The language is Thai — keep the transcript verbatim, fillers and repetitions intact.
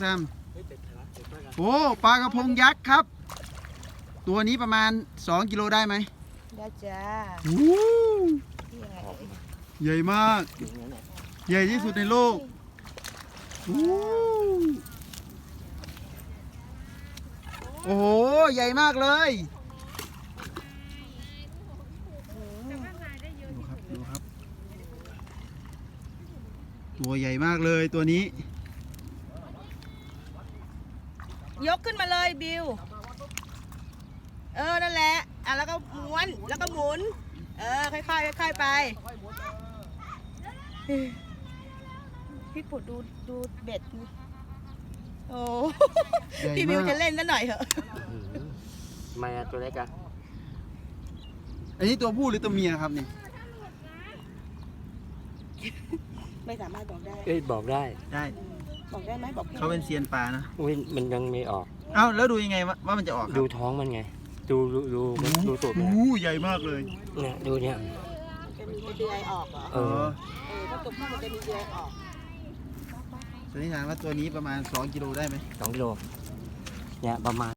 แซมโอ้ปลากระพงยักษ์ครับ ตัวนี้ประมาณสองกิโลได้ไหมได้จ้าโอ้ใหญ่มาก ใหญ่ที่สุดในโลกโอ้โอ้โหใหญ่มากเลยดูครับดูครับ ตัวใหญ่มากเลยตัวนี้ยกขึ้นมาเลยบิวเออนั่นแหละอ่ะแล้วก็ม้วนแล้วก็หมุนเออค่อยๆค่อยๆไปพี่ปุดดูดูเบ็ดนี่โอ้ใหญ่มากพี่บิวจะเล่นซะหน่อยเหอะทำไมอะตัวเล็กอะอันนี้ตัวผู้หรือตัวเมียครับนี่ไม่สามารถบอกได้เอ้ยบอกได้ได้บอกได้ไหมบอกพี่เขาเป็นเซียนปลานะอุ้ยมันยังไม่ออกเอ้าแล้วดูยังไงว่าว่ามันจะออกครับดูท้องมันไง ดูดูดูมันดูตูดมันโอ้โหใหญ่มากเลยเนี่ยดูเนี่ยจะมีเดือยออกเหรอเออเออถ้าตัวผู้มันจะมีเดือยออกสันนิษฐานว่าตัวนี้ประมาณสองกิโลได้ไหมสองกิโลเนี่ยประมาณ